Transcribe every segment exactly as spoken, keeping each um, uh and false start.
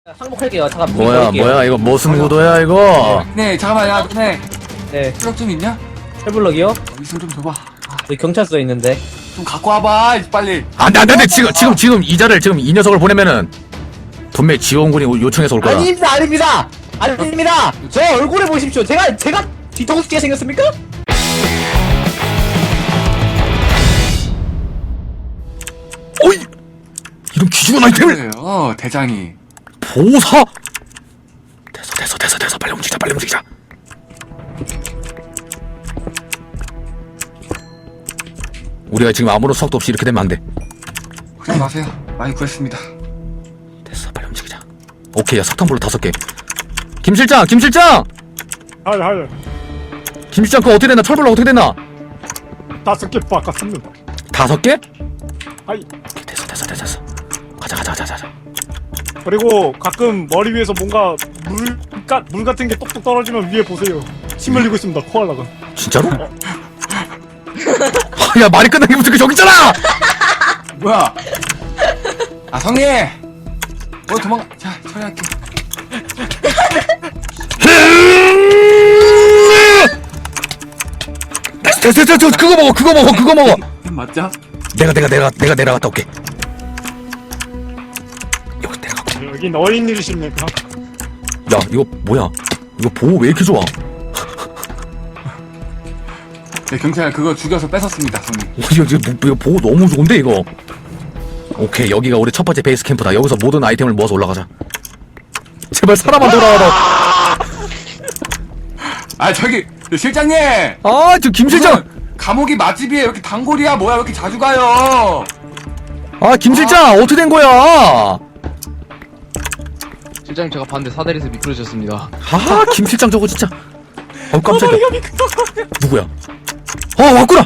항복할게요. 잠깐 뭐야 할게요. 뭐야 이거 무슨 구도야 이거? 네 잠깐만 야 너네 네, 트럭 좀 있냐? 해블럭이요? 있으면 좀 줘봐. 여기 경찰서에 있는데. 좀 갖고 와봐 빨리. 안돼 안돼 안돼 지금 지금 지금 이자를 지금 이 녀석을 보내면은 분명히 지원군이 요청해서 올 거야. 아닙니다, 아닙니다, 아닙니다. 제 얼굴에 보십시오. 제가 제가 뒤통수게 생겼습니까? 어이 이런 귀중한 아이템을 그래요 대장이. 보사. 됐어 됐어 됐어 됐어 빨리 움직이자 빨리 움직이자. 우리가 지금 아무런 수학도 없이 이렇게 되면 안 돼. 걱정 마세요. 많이 구했습니다. 됐어 빨리 움직이자. 오케이 야 석탄불로 다섯 개. 김 실장 김 실장 하이 하이 김 실장 그거 어떻게 됐나 철불로 어떻게 됐나? 다섯 개 바꿨습니다. 다섯 개? 하이. 오케이, 됐어 됐어 됐어 됐어. 가자 가자 가자 가자. 그리고 가끔 머리 위에서 뭔가 물, 까, 물 같은 게 똑똑 떨어지면 위에 보세요. 침 흘리고 있습니다. 코알라가. 진짜로? 아, 야 말이 끝난 게 무슨 그 저기 있잖아! 뭐야? 아 성님. 어 도망가. 자 처리할게. 됐어 됐어 됐어 됐어. 그거 먹어 그거 먹어 그거 먹어. 맞자? 내가 내가 내가 내가 내려갔다 올게. 여기 내려가고. 여기 너인 일이십니까? 야 이거 뭐야? 이거 보호 왜 이렇게 좋아? 네 경찰 그거 죽여서 뺏었습니다 성님. 어, 이거, 이거, 이거 보호 너무 좋은데 이거. 오케이 여기가 우리 첫 번째 베이스 캠프다. 여기서 모든 아이템을 모아서 올라가자. 제발 사람만 돌아와라. 아 저기 실장님. 아저 김 실장. 감옥이 맛집이에요. 이렇게 단골이야 뭐야? 왜 이렇게 자주 가요? 아 김 실장 어떻게 된 거야? 실장님 제가 봤는데 사다리에서 미끄러졌습니다. 아 김 실장 저거 진짜. 어 깜짝이야. 누구야? 어 왔구나.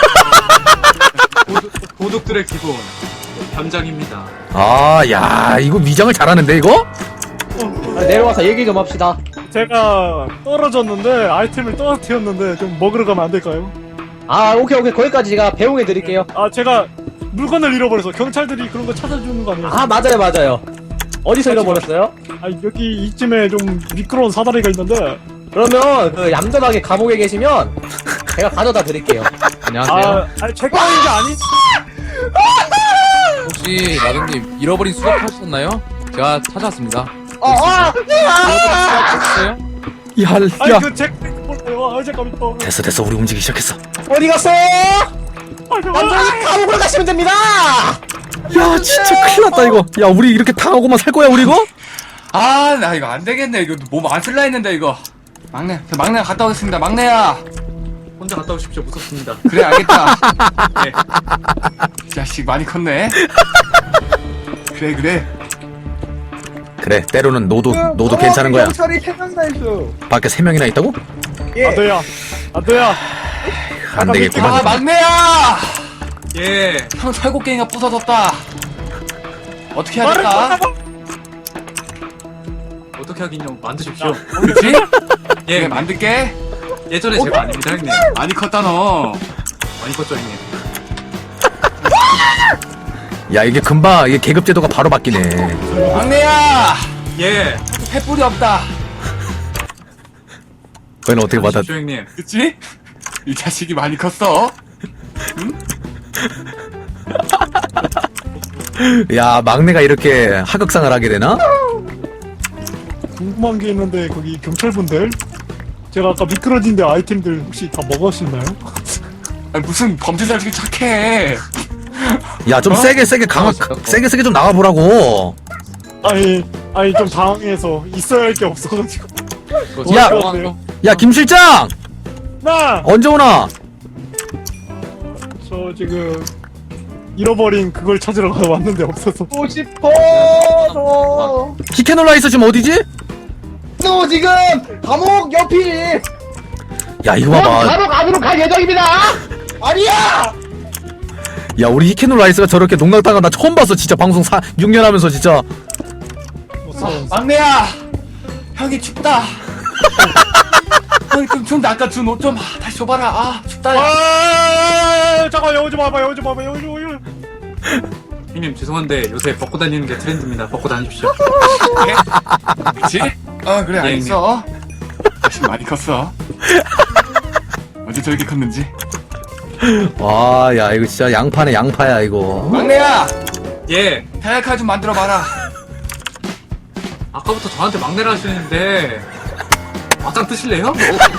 도둑들의 기본 담장입니다. 아, 야, 이거 위장을 잘하는데, 이거? 아, 내려와서 얘기 좀 합시다. 제가 떨어졌는데 아이템을 떨어뜨렸는데 좀 먹으러 가면 안 될까요? 아, 오케이, 오케이. 거기까지 제가 배웅해 드릴게요. 아 제가 물건을 잃어버려서 경찰들이 그런 거 찾아주는 거 아니에요? 아, 맞아요, 맞아요. 어디서 잃어버렸어요? 아 여기 이쯤에 좀 미끄러운 사다리가 있는데. 그러면 그 얌전하게 감옥에 계시면 제가 가져다 드릴게요. 안녕하세요. 아, 아니 제 거인 게 아니. 혹시 마동님 잃어버린 수갑 하셨나요? 제가 찾았습니다. 어, 어! 찾았어요? 야, 아니 야. 그제 거예요. 아 잠깐만 또. 됐어, 됐어. 우리 움직이기 시작했어. 어디 갔어? 얌전히 감옥을 가시면 됩니다! 야, 진짜 큰일 났다, 이거. 야, 우리 이렇게 당하고만 살 거야, 우리 이거? 아 나 이거 안 되겠네. 이거 몸 안 쓸라 했는데 이거. 막내, 저 막내가 갔다 오겠습니다. 막내야. 혼자 갔다 오십시오. 무섭습니다. 그래 알겠다. 네. 이 자식 많이 컸네. 그래 그래. 그래, 때로는 너도, 너도 괜찮은 거야. 경찰이 세 명이나 있어. 밖에 세 명이나 있다고? 아도야, 아도야. 안 되겠구만. 아 막내야. 예. 형 철곡갱이가 부서졌다. 어떻게 해야 될까? 어떻게 하긴요. 만드십시오. 그렇지? 예. 그래 만들게. 예전에 제가 아닙니다, 형님. 많이 컸다 너. 많이 컸죠, 형님. 야, 이게 금방, 이게 계급제도가 바로 바뀌네. 막내야. 예. 횃불이 없다. 그건 어떻게 받아. 만드십시오, 형님. 그치? 이 자식이 많이 컸어. 야, 막내가 이렇게 하극상을 하게 되나? 궁금한 게 있는데 거기 경찰분들 제가 아까 미끄러진데 아이템들 혹시 다 먹었나요? 아니, 무슨 범죄자 중에 착해. 야, 좀 어? 세게, 세게 강하, 세게, 세게 좀 나가보라고. 아니 아니 좀 당황해서 있어야 할 게 없어가지고. 그거 야! 제가 좋아하는 거? 야, 김 실장! 나! 언제 오나? 저 지금 잃어버린 그걸 찾으러 왔는데 없어서. 또 싶어, 너. 히케놀라이스 지금 어디지? 너 지금 감옥 옆이지. 야, 이거 봐봐. 감옥 안으로 갈 예정입니다. 아니야. 야, 우리 히케놀라이스가 저렇게 농락당한 나 처음 봤어. 진짜 방송 사, 육 년 하면서 진짜. 막내야. 형이 춥다. 형이 좀 추운데 아까 준 옷 좀 다시 줘봐라. 아 춥다. 야. 아 잠깐 여기 좀 와봐 여기 좀 와봐 여기 좀 여기 좀. 형님 죄송한데 요새 벗고 다니는 게 트렌드입니다. 벗고 다니십시오. 그치? 어 그래 예, 알겠어. 자식 많이 컸어. 어제 저렇게 컸는지. 와, 야, 이거 진짜 양파네, 양파야, 이거. 막내야 예. 타약칼 좀 만들어 봐라. 아까부터 저한테 막내라 하시는데 맞짱 뜨실래요?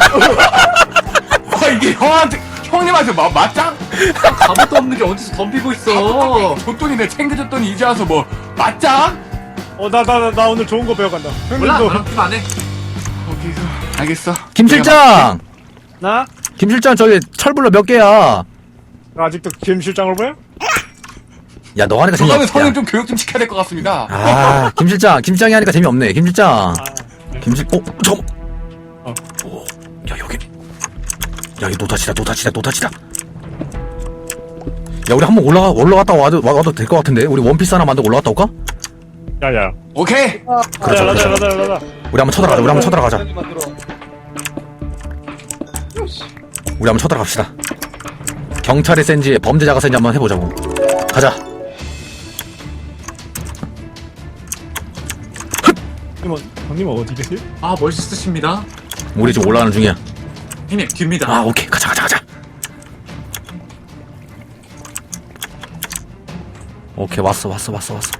아 이게 형한테 형님한테 마, 맞짱? 갑옷도 없는 게 어디서 덤비고 있어. 줬더니 내 챙겨줬더니 이제 와서 뭐 맞짱? 어나 나 나 나 오늘 좋은 거 배워간다. 몰라. 형님도 나랑 팀안 해. 거기서 알겠어. 김 실장! 나 김 실장, 저기 철불러 몇 개야? 아직도 김 실장을 보여? 야, 너 하니까 저거는 재미없다. 성인 좀 교육 좀 시켜야 될 것 같습니다. 아, 김 실장, 김 실장이 하니까 재미없네. 김 실장. 김 실, 어, 잠깐. 어. 오, 야, 여기. 야, 이 노다지다, 노다지다, 노다지다. 야, 우리 한번 올라가, 올라갔다 와도, 와도 될 것 같은데? 우리 원피스 하나 만들고 올라갔다 올까? 야야. 오케이. 그렇죠, 라자 그렇죠. 라자 라자. 우리 한번 쳐들어가자, 우리 한번 쳐들어가자. 우리 한번 쳐들어갑시다. 경찰이 센지 범죄자가 센지 한번 해보자고. 가자. 형님 형님 어디 계세요? 아 멋있으십니다. 우리 지금 올라가는 중이야. 형님 뒤입니다. 아, 오케이. 가자, 가자, 가자. 오케이, 왔어, 왔어, 왔어, 왔어.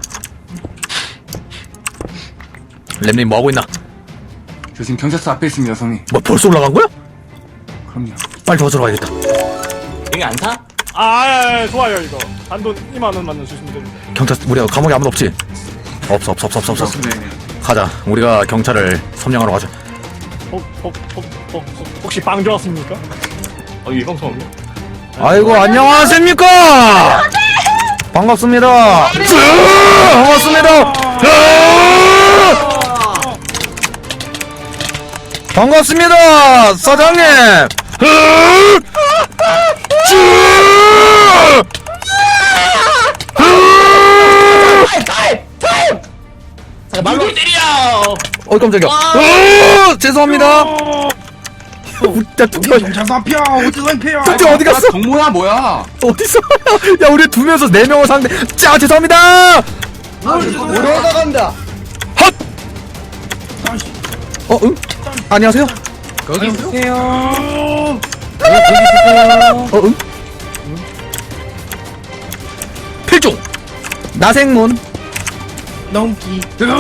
램님 뭐하고 있나? 저 지금 경찰서 앞에 있습니다, 성님. 뭐 벌써 올라간 거야? 그럼요. 빨리 도와주러 가야겠다. 여기 안 사? 아 예, 예, 좋아요 이거. 단돈 이만 원만 넣어주시면 됩니다. 경찰, 우리가 감옥에 아무도 없지? 없어, 없어, 없어, 없어, 없어. 좋습니다, 형님. 가자. 우리가 경찰을 점령하러 가자. 혹, 혹, 혹, 혹, 혹시 빵 좋았습니까? 어이 형성 없네. 아이고, 안녕하십니까? 반갑습니다. 쯔! 반갑습니다. 으! 반갑습니다, 사장님. 으! 쯔! 으! 잠깐 말로 때려. 어, 깜짝이야. 으! 죄송합니다. 야, 뚜띠 뚜띠 어디 갔어? 동모야 뭐야? 어딨어? 야, 우리 두 명에서 네 명을 상대. 짜, 죄송합니다. 올라간다. 헛! 어, 응? 안녕하세요? 거기 있으세요. 어, 응? 필중! 나생문. 넘기.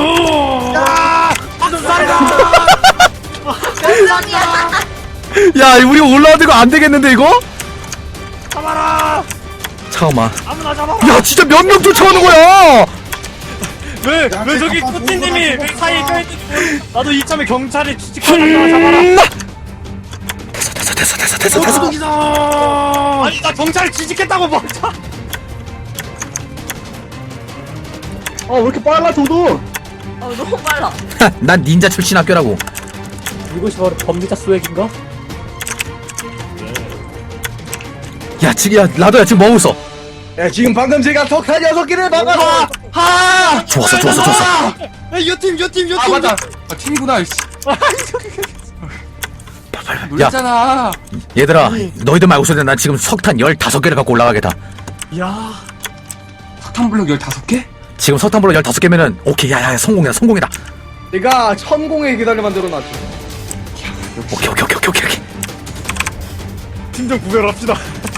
야, 우리 올라가는 거 안 되겠는데, 이거? 잡아라. 잠깐만. 아무나 잡아라. 야, 진짜 몇 명 쫓아오는 거야? 왜, 왜 저기 꾸티님이 왜 사이에 껴있는지 나도 이참에 경찰이 취직하다가 잡아라. 음, 됐어, 됐어, 됐어, 됐어, 됐어, 됐어. 아니 나 경찰이 취직했다고 멈춰. 어 왜 이렇게 빨라 도도? 어, 너무 빨라. 난 닌자 출신 학교라고. 이것이 바로 범죄자 스웩인가? 야, 지금, 야, 라도야, 지금 뭐하고 있어? 야 지금 방금 제가 석탄 여섯 개를 막아서 하! 좋았어, 좋았어, 좋았어. 요팀 요팀 요팀 아 맞다. 아 팀이구나. 이씨. 야, 놀랐잖아. 얘들아, 너희들 말고 있어야 돼. 난 지금 석탄 열다섯 개를 갖고 올라가겠다. 야, 석탄블럭 열다섯 개? 지금 석탄불로 열다섯 개면은, 오케이, 야, 야, 성공이다, 성공이다. 내가 천공의 계단을 만들어놨지. 오케이, 오케이, 오케이, 오케이, 오케이. 팀장 구별합시다.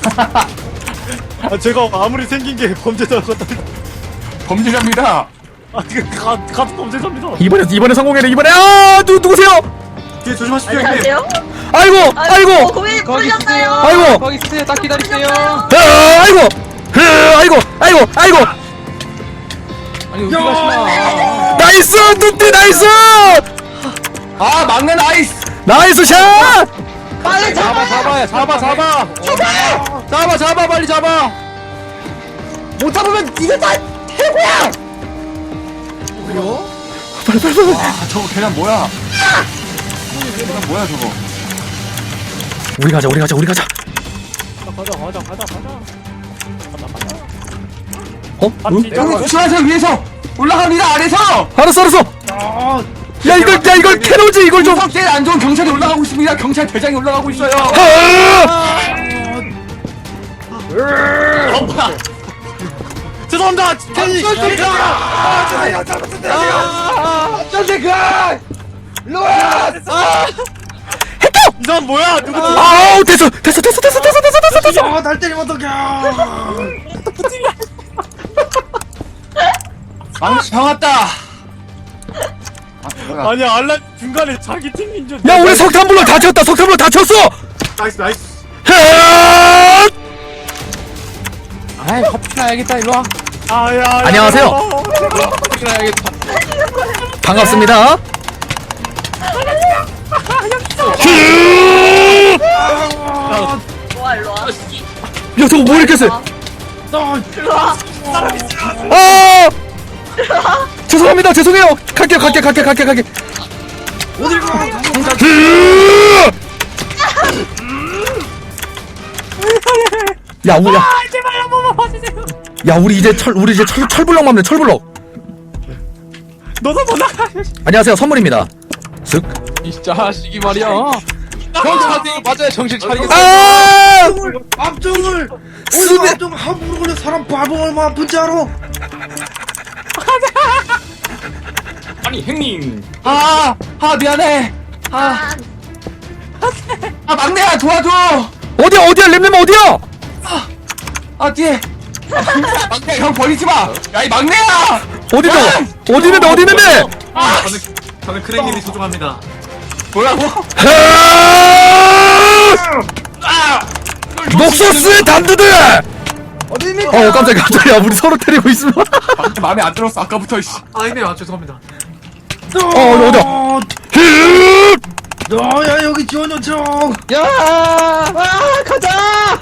아, 제가 아무리 생긴 게 범죄자 같다. 범죄자입니다. 아, 그 가, 가도 범죄자입니다. 이번에, 이번에 성공해네, 이번에. 아, 누, 누구세요? 뒤에 조심하십시오 형님. 안녕하세요. 아이고, 아이고, 고민이 풀렸나요? 아이고, 거기 있으세요. 딱 기다리세요. 아, 아이고, 흐, 아이고, 아이고, 아이고. 아니 어디 가시나? 나이스, 뚜띠, 나이스! 아 막내 나이스. 나이스 샷! 빨리 잡아 잡아 잡아 잡아. 잡아 잡아 빨리 잡아. 못 잡으면 이게 다 해고야. 빨리, 빨리, 빨리. 아 저거 계란 뭐야? 계란 뭐야 저거? 우리 가자, 우리 가자, 우리 가자. 가자, 가자, 가자, 가자. 가자, 가자. 어? 응? 형님 조심하세요 위에서 올라갑니다 아래서. 알았어, 알았어. 야, 이걸, 야, 이걸 캐로지, 이걸 좀. 성격이 안 좋은 경찰이 올라가고 있습니다. 경찰 대장이 올라가고 있어요. 아! 죄송합니다. 괜히. 이 사람 뭐야? 누구지? 아우 됐어 됐어 됐어 됐어 됐어 됐어 됐어 됐어. 날 때리면 어떡해. 망치 정았다. 아, 아니 알라 중간에 자기 팀인 줄. 야 우리 석탄블럭 다 쳤다 석탄블럭 다 쳤어. 나이스 나이스. 헷! 아이 커피 나야겠다 일로 와. 아, 야, 야, 안녕하세요. 야. 커피 나야겠다. 반갑습니다. 와 일로 와. 야 저거 뭐 이렇게 세? 일로 와. 아! 죄송합니다 죄송해요. 갈게요 갈게 갈게 갈게 갈게. 어딜 가? 야 우리 야, 제발 한 번만 봐주세요. 야 우리 이제 철 우리 이제 철 철블럭 맘네 철블럭. 너도 못 나가. 안녕하세요 선물입니다. 쓱. 이 자식이 말이야. 정신 차리고 맞아야 정신 차리겠어. 아! 앞쪽을 쓰네. 오늘 앞쪽 함부로 걸려 사람 바보 얼마 아픈지 알아? 아니 형님. 아, 아 미안해. 아, 아 막내야 도와줘. 어디야 어디야 램램 어디야? 아 뒤에. 아, 막내 형 버리지 마. 야 이 막내야. 어디다? 어디 있는데 어디 있는데? 저는 저는 크랭님이 소중합니다. 뭐라고? 아! 녹소스의 단두들! 어디입니까? 어 깜짝이야 깜짝이야 우리 서로 때리고 있으면 막내 마음에 안 들었어 아까부터. 씨. 아 형님 아 죄송합니다. 어 어디 어디 너야 여기 지원 요청. 야, 아 가자.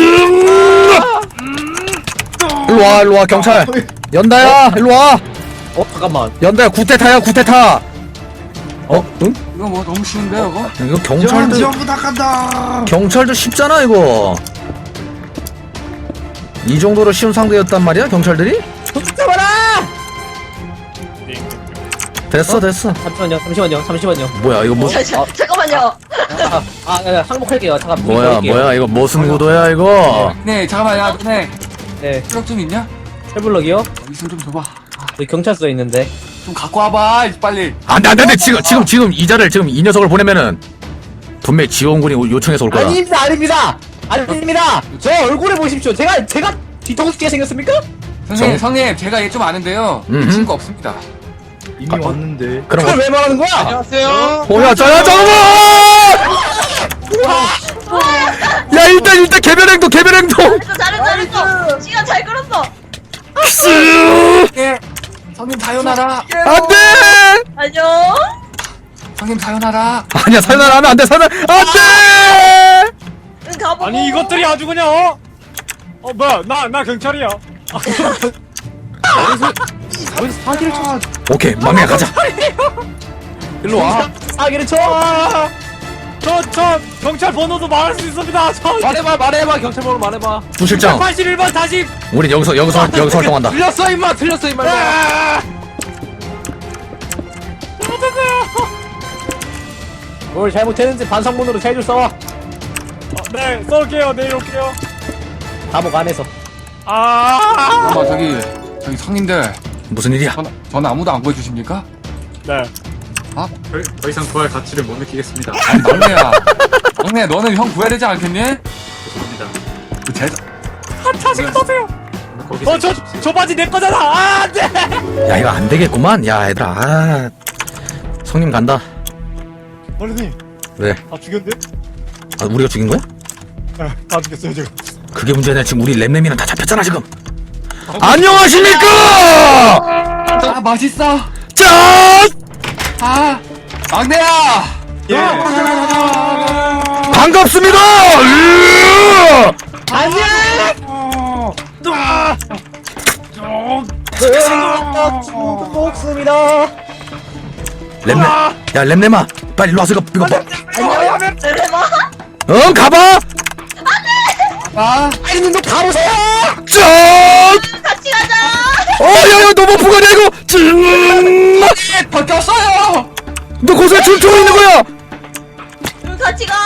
일로와 일로와 경찰 연다야 일로와 어 잠깐만. 연다야 구태타야 구태타 어? 응? 이거 뭐 너무 쉬운데 이거? 이거 지원 경찰도 지원 부탁한다. 경찰도 쉽잖아 이거 이 정도로 쉬운 상대였단 말이야 경찰들이? 잡아라. 됐어 됐어 잠시만요, 잠시만요, 잠시만요. 뭐야 이거 뭐 자, 자, 잠깐만요. 아, 아, 아, 항복할게요. 잠깐. 뭐야 할게요. 뭐야 이거 무슨 구도야 이거 네 잠깐만 야 너네 네, 트럭 좀 있냐? 철블럭이요? 있으면 좀 줘봐. 여기 경찰서에 있는데. 좀 갖고 와봐 빨리. 안돼 안돼 안돼 지금 지금 지금 이자를 지금 이 녀석을 보내면은 분명히 지원군이 요청해서 올 거야 아닙니다 아닙니다 아닙니다. 제 얼굴에 보십시오. 제가 제가 뒤통수게 생겼습니까? 선생님 정- 성님 제가 얘 좀 아는데요. 음흠. 이 친구 없습니다. 이미 왔는데. 그럼 그걸 왜 말하는 거야? 안녕하세요. 뭐야 저야 잠깐만 야 일단 일단 개별 행동 개별 행동 잘했어, 잘했어, 잘했어. 시간 잘 끌었어. 쓱 예. 성님 사연하라. 안돼 안녕. 성님 사연하라. 아니야 살날 하면 안돼 살날 안돼 응, 가보고. 아니 이것들이 아주 그냥 어? 어 뭐야 나 나 경찰이야. 어디서 사기를 쳐? 오케이 막내 가자 일로 와. 사기를 쳐. 저 저 경찰 번호도 말할 수 있습니다. 저 말해봐 말해봐 경찰 번호 말해봐. 부실장 팔십일 번 다시. 우린 여기서 여기서 활- 여기서 활동한다 틀렸어 임마 틀렸어 임마. 뭘 잘못했는지 반성문으로 세 줄 써와. 어, 네 쏠게요. 내일 올게요. 감옥 안에서. 아. 어머 저기 저기 성님들 무슨 일이야 전, 전 아무도 안 구해주십니까? 네. 더, 더 이상 구할 가치를 못 느끼겠습니다. 아니 막내야. 막내 너는 형 구해야 되지 않겠니? 죄송합니다. 그 제... 자식 떠세요. 거기서 어저 저 바지 내 거잖아. 아 안돼. 야 이거 안 되겠구만 야 얘들아 아 성님 간다 어른이 왜? 다 죽였네. 아 우리가 죽인 거야? 네다 죽였어요 지금. 그게 문제냐 지금 우리 램램이랑 다 잡혔잖아 지금 안녕하십니까 아 맛있어. 짠 아 막내야. 예. 반갑습니다 으! 목숨이다. 램램 야 램램아 빨리 일로 와서 이거 이거 뭐 내려봐. 응 가봐 아 아니 눈도 가보세요. 짠 같이 가자. 어야야 너무 부가냐 이거 짠 벗겼어요. 너 거기서 춤추고 있는 거야 응, 같이 가.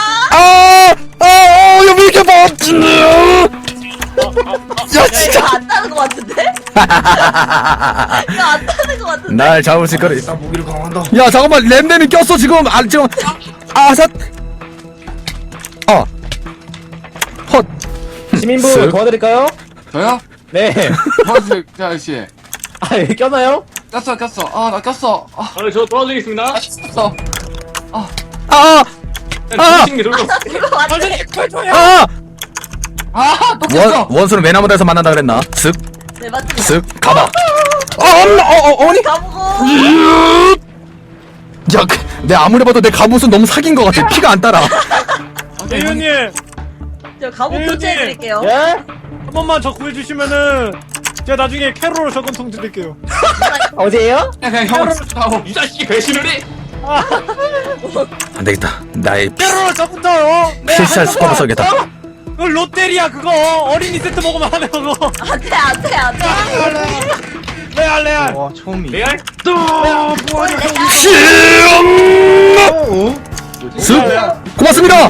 아아어야 왜 이렇게 봐 짠. 야 야, 진짜 이거 안 따는 거 같은데? 이거 안 타는 것 같은데. 날 잡을 수 있거든. 나 무기를 강화한다. 야 잠깐만 램램이 꼈어 지금. 아 지금 아삿. 어. 헛. 시민부 쓱. 도와드릴까요? 저요? 네. 도와주세요 아저씨. 아 여기 꼈나요? 꼈어 꼈어. 아 나 꼈어. 아 아, 저 도와드리겠습니다. 꼈어. 아. 아. 도와주신 게 돌려. 이거 완전 아. 아또 꼈어. 원 원수는 외나무다에서 만난다 그랬나? 쓱. 네 맞습니다. 쓱 가봐. 어, 엄마, 어, 어, 어니? 가보고. 야, 그, 내 아무리 봐도 내 갑옷은 너무 사귄 것 같아. 피가 안 따라. 대현님 저 가보 네, 교체해드릴게요. 예? 한 번만 저 구해주시면은 제가 나중에 캐롤로 저건통 드릴게요. 어디에요? 그냥 형을 하고. 이 자식이 배신을 해. 안 되겠다. 나의 피, 캐롤로 저건통요. 필살 수법을 써야겠다. 그 롯데리아 그거 어린이 세트 먹으면 하네 그거. 안돼 안돼 안돼. 레알 레알. 와 처음이. 레알? 쓱. 고맙습니다.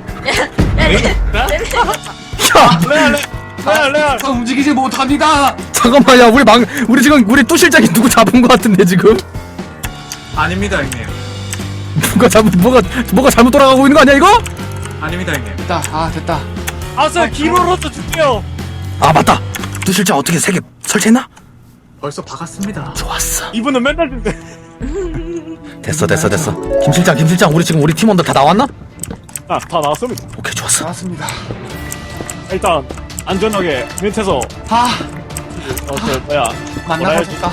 야, 레알 레알 레알. 저 움직이지 못합니다. 잠깐만, 야, 우리 막, 우리 지금 우리 또 실장이 누구 잡은 것 같은데 지금? 아닙니다, 형님. 누가 잘못, 뭐가, 뭐가 잘못 돌아가고 있는 거 아니야 이거? 아닙니다, 형님. 됐다. 아 됐다. 아싸 기로로도 줄게요. 아 맞다. 또 실장 어떻게 세 개 설치했나? 벌써 박았습니다. 좋았어. 이분은 맨날 준대. 됐어, 됐어, 됐어. 김 실장, 김 실장, 우리 지금 우리 팀원들 다 나왔나? 아다 나왔습니다. 오케이, 좋았어. 나왔습니다. 일단 안전하게 밑에서 아 어저 뭐야 만나가지다.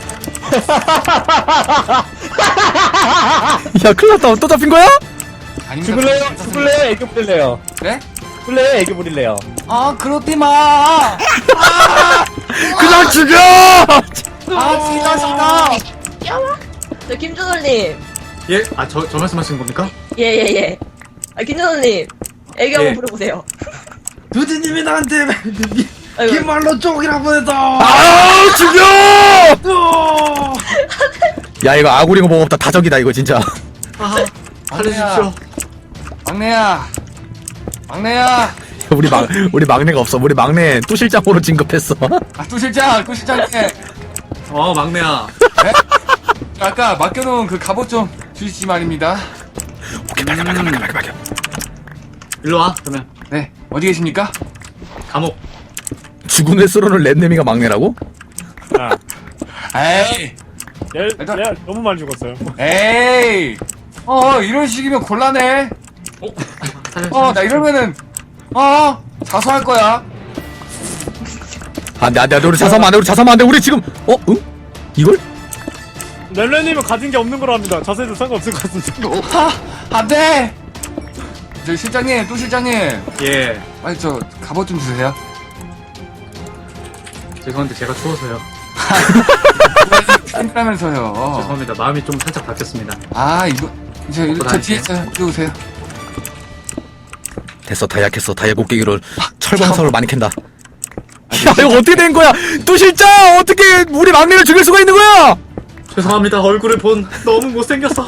야, 큰일 났다. 또 잡힌 거야? 아닙니다. 죽을래요? 죽을래요? 애교 부릴래요? 네? 죽을래요? 애교 부릴래요? 아 그렇디 마. 그냥 죽여! 아 진짜 싫다. 저 김준호님. 예? 아, 저, 저 말씀하시는 겁니까? 예예예. 아 김준호님. 애교 예. 한번 부려보세요. 두디님이 나한테 아이고. 긴 말로 쪽이라고 해서. 아, 죽여! 야, 이거 아구리고 뭐 없다. 다적이다, 이거 진짜. 아, 살려주십시오. 막내야. 막내야. 우리 막, 우리 막내가 없어. 우리 막내 또 실장으로 진급했어. 아또 실장, 또 실장님. 어, 막내야. 아까 맡겨놓은 그 갑옷 좀 주시지 말입니다. 오케이, 발견, 발견, 발견, 발견, 발견. 일로 와, 그러면. 네, 어디 계십니까? 감옥. 죽은 횟수로는 랜nem이가 막내라고? 아 에이, 레알 레알 너무 많이 죽었어요. 에이. 어, 이런 식이면 곤란해. 어? 어, 나 이러면은, 어, 자수할 거야. 안 돼, 안 돼, 안 돼. 우리 자사면 안 돼, 우리 자사면 안 돼. 우리 지금, 어? 응? 이걸? 렐레님은 가진 게 없는 거로 합니다. 자세도 상관없을 것 같은데. 하, 안 돼. 저 실장님, 또 실장님. 예. 빨리 저 갑옷 좀 주세요. 죄송한데 제가 추워서요. 팬이라면서요. 죄송합니다. 마음이 좀 살짝 바뀌었습니다. 아, 이거, 저, 먹고 저 뒤에 다니세요. 있어요. 이리 오세요. 됐어, 다 약했어. 다이아 곡괭이로 철광석을 많이 캔다. 야, 이거 어떻게 된 거야? 또 실장! 어떻게 우리 막내를 죽일 수가 있는 거야? 죄송합니다. 얼굴을 본 너무 못생겼어.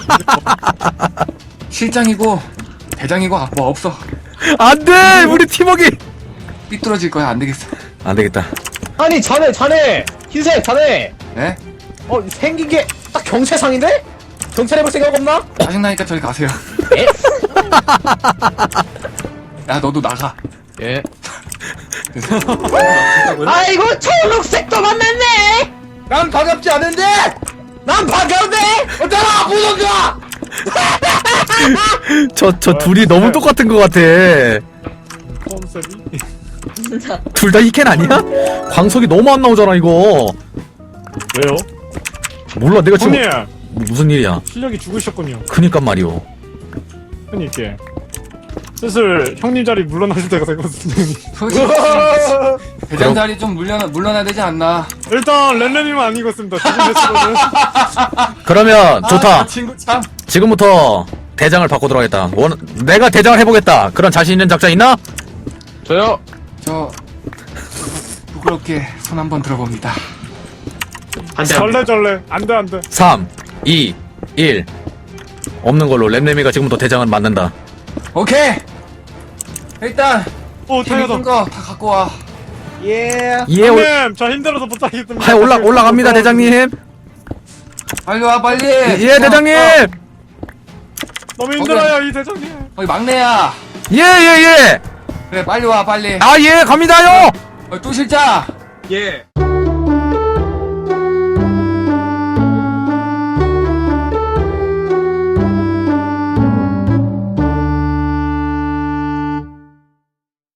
실장이고, 대장이고, 아, 뭐 없어. 안 돼! 우리 팀워크! 삐뚤어질 거야. 안 되겠어. 안 되겠다. 아니 자네 자네 흰색 자네 네? 어 생긴 게 딱 경찰상인데? 경찰 해볼 생각 없나? 짜증나니까 저리 가세요. 예? 야, 너도 나가. 예. 뭐라고요? 아이고 초록색도 만났네. 난 반갑지 않은데. 난 반가운데. 어쩌라 무던가. 저, 저 둘이 너무 똑같은 것 같아. 컨셉이. 진짜. 둘 다 히켄 아니야? 광석이 너무 안 나오잖아, 이거. 왜요? 몰라, 내가 지금. 형님 뭐, 무슨 일이야? 실력이 죽으셨군요. 그니까 말이오. 형님께 슬슬 형님 자리 물러나실 때가 되거든요. 솔직히, 대장 자리 좀 물러나, 물러나야 되지 않나. 일단 렐레님은 안 익었습니다. 지금 횟수로는. 그러면, 좋다. 아, 친구 참. 지금부터 대장을 바꾸도록 하겠다. 원, 내가 대장을 해보겠다. 그런 자신 있는 작자 있나? 저요. 저, 부끄럽게 손 한번 들어봅니다. 반대. 절레절레 안돼 안돼. 삼, 이, 일. 없는 걸로 램램이가 지금부터 대장을 맡는다. 오케이! 일단, 오 힘 있는 타이어다. 거 다 갖고 와. 예. 예, 올, 형님 저 힘들어서 못하겠습니다. 아, 올라, 올라갑니다, 대장님. 빨리 와 빨리. 예, 대장님. 너무 힘들어요 이 대장님. 거기 막내야. 예, 예, 예. 그래 빨리 와 빨리. 아, 예, 갑니다요. 어, 또 실장. 예.